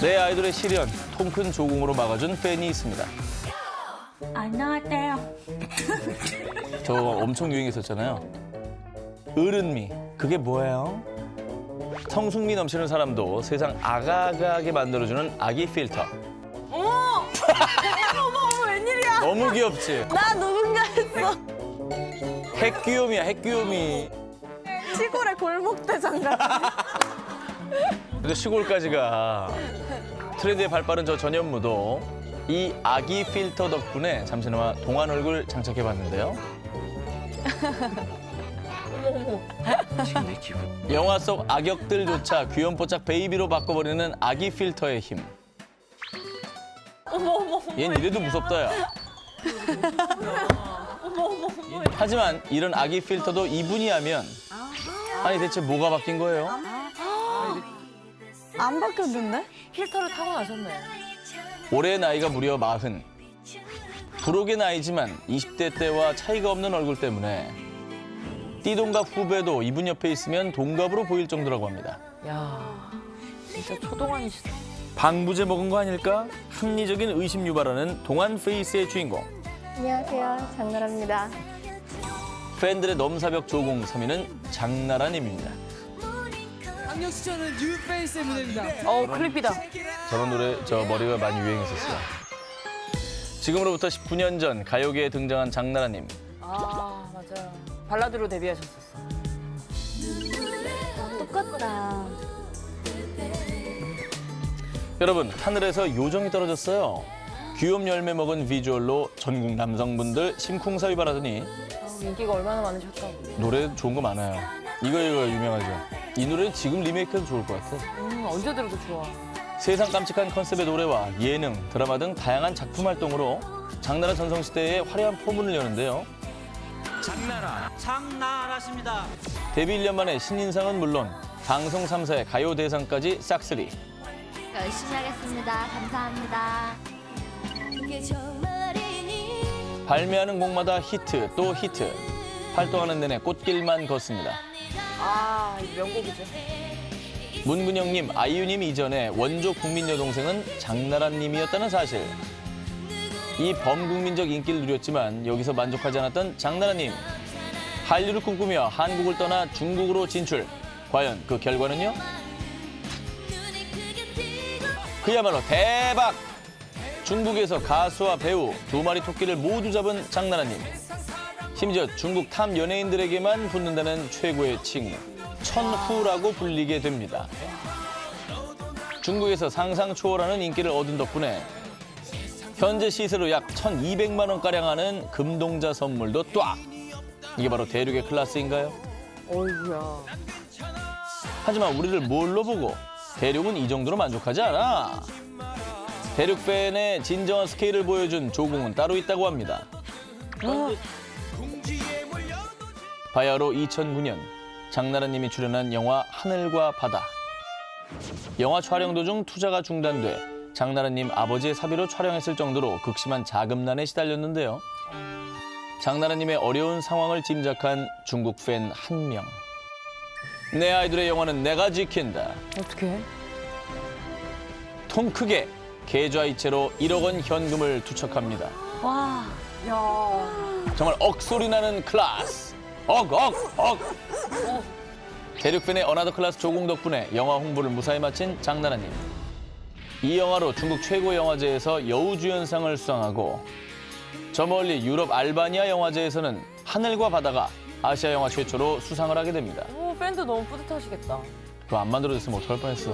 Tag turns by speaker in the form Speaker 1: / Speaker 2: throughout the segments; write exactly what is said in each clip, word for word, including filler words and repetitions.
Speaker 1: 내 아이돌의 시련, 통 큰 조공으로 막아준 팬이 있습니다.
Speaker 2: 안녕하세요.
Speaker 1: 저거 엄청 유행했었잖아요. 어른미, 그게 뭐예요? 성숙미 넘치는 사람도 세상 아가아가하게 만들어주는 아기 필터.
Speaker 2: 어머! 어머, 어머, 웬일이야?
Speaker 1: 너무 귀엽지?
Speaker 2: 나 누군가 했어.
Speaker 1: 핵귀요미야, 핵귀요미.
Speaker 2: 시골의 골목대장 같아.
Speaker 1: 근데 시골까지가 트렌드에 발빠른 저 전현무도 이 아기 필터 덕분에 잠시나마 동안 얼굴 장착해봤는데요. 영화 속 악역들조차 귀염뽀짝 베이비로 바꿔버리는 아기 필터의 힘.
Speaker 2: 어머, 어머, 어머.
Speaker 1: 얜 이래도 무섭다, 야. 하지만 이런 아기 필터도 이분이 하면 아니 대체 뭐가 바뀐 거예요?
Speaker 2: 안 바뀌었는데?
Speaker 3: 필터를 타고 나셨네.
Speaker 1: 올해 나이가 무려 마흔. 부록의 나이지만 이십 대 때와 차이가 없는 얼굴 때문에 띠동갑 후배도 이분 옆에 있으면 동갑으로 보일 정도라고 합니다.
Speaker 3: 야, 진짜 초동안이시다.
Speaker 1: 방부제 먹은 거 아닐까? 합리적인 의심 유발하는 동안 페이스의 주인공.
Speaker 4: 안녕하세요. 장나라입니다.
Speaker 1: 팬들의 넘사벽 조공 삼 위는 장나라님입니다.
Speaker 5: 강력 추천은 뉴페이스의 무대입니다.
Speaker 3: 어, 클립이다.
Speaker 1: 저런 노래 저 머리가 많이 유행했었어요. 지금으로부터 십구 년 전 가요계에 등장한 장나라님.
Speaker 3: 아, 맞아요. 발라드로 데뷔하셨었어.
Speaker 4: 똑같다.
Speaker 1: 여러분, 하늘에서 요정이 떨어졌어요. 귀염 열매 먹은 비주얼로 전국 남성분들 심쿵사 유발하더니
Speaker 3: 아, 인기가 얼마나 많으셨다고.
Speaker 1: 노래 좋은 거 많아요. 이거 이거 유명하죠. 이 노래 지금 리메이크해도 좋을 것 같아.
Speaker 3: 음, 언제 들어도 좋아.
Speaker 1: 세상 깜찍한 컨셉의 노래와 예능, 드라마 등 다양한 작품 활동으로 장나라 전성시대의 화려한 포문을 여는데요.
Speaker 5: 장나라, 장나라십니다.
Speaker 1: 데뷔 일 년 만에 신인상은 물론 방송 삼 사의 가요 대상까지 싹쓸이.
Speaker 4: 열심히 하겠습니다. 감사합니다.
Speaker 1: 발매하는 곡마다 히트 또 히트. 활동하는 내내 꽃길만 걷습니다.
Speaker 3: 아, 이 명곡이죠.
Speaker 1: 문근영님, 아이유님 이전에 원조 국민 여동생은 장나라님이었다는 사실. 이 범국민적 인기를 누렸지만 여기서 만족하지 않았던 장나라님. 한류를 꿈꾸며 한국을 떠나 중국으로 진출. 과연 그 결과는요? 그야말로 대박! 중국에서 가수와 배우 두 마리 토끼를 모두 잡은 장나라님. 심지어 중국 탑 연예인들에게만 붙는다는 최고의 칭, 천후라고 불리게 됩니다. 중국에서 상상 초월하는 인기를 얻은 덕분에 현재 시세로 약 천이백만 원가량 하는 금동자 선물도 딱! 이게 바로 대륙의 클래스인가요?
Speaker 3: 어이구야.
Speaker 1: 하지만 우리를 뭘로 보고 대륙은 이 정도로 만족하지 않아. 대륙 팬의 진정한 스케일을 보여준 조공은 따로 있다고 합니다. 바야흐로 이천구 년 장나라님이 출연한 영화 하늘과 바다. 영화 촬영 도중 투자가 중단돼 장나라님 아버지의 사비로 촬영했을 정도로 극심한 자금난에 시달렸는데요. 장나라님의 어려운 상황을 짐작한 중국 팬 한 명. 내 아이돌의 영화는 내가 지킨다.
Speaker 3: 어떡해?
Speaker 1: 통 크게 계좌이체로 일억 원 현금을 투척합니다.
Speaker 2: 와.
Speaker 3: 야.
Speaker 1: 정말 억소리 나는 클래스. 억, 억, 억. 대륙팬의 어나더 클래스 조공 덕분에 영화 홍보를 무사히 마친 장나라님. 이 영화로 중국 최고 영화제에서 여우주연상을 수상하고 저 멀리 유럽 알바니아 영화제에서는 하늘과 바다가 아시아 영화 최초로 수상을 하게 됩니다.
Speaker 3: 오, 팬도 너무 뿌듯하시겠다.
Speaker 1: 그거 안 만들어졌으면 어떡할 뻔했어.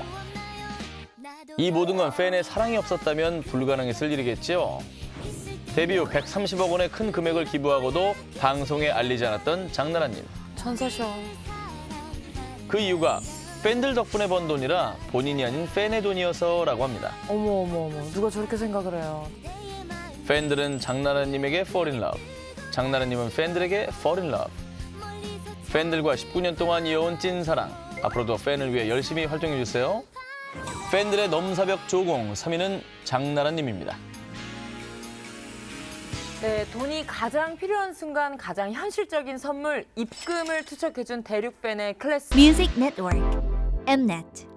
Speaker 1: 이 모든 건 팬의 사랑이 없었다면 불가능했을 일이겠죠. 데뷔 후 백삼십억 원의 큰 금액을 기부하고도 방송에 알리지 않았던 장나라님.
Speaker 3: 천사셔.
Speaker 1: 그 이유가 팬들 덕분에 번 돈이라 본인이 아닌 팬의 돈이어서라고 합니다.
Speaker 3: 어머, 어머, 어머. 누가 저렇게 생각을 해요.
Speaker 1: 팬들은 장나라님에게 fall in love, 장나라님은 팬들에게 fall in love. 팬들과 십구 년 동안 이어온 찐사랑, 앞으로도 팬을 위해 열심히 활동해주세요. 팬들의 넘사벽 조공 삼 위는 장나라님입니다.
Speaker 3: 네, 돈이 가장 필요한 순간 가장 현실적인 선물, 입금을 투척해준 대륙 팬의 클래스.
Speaker 6: Music Network, Mnet.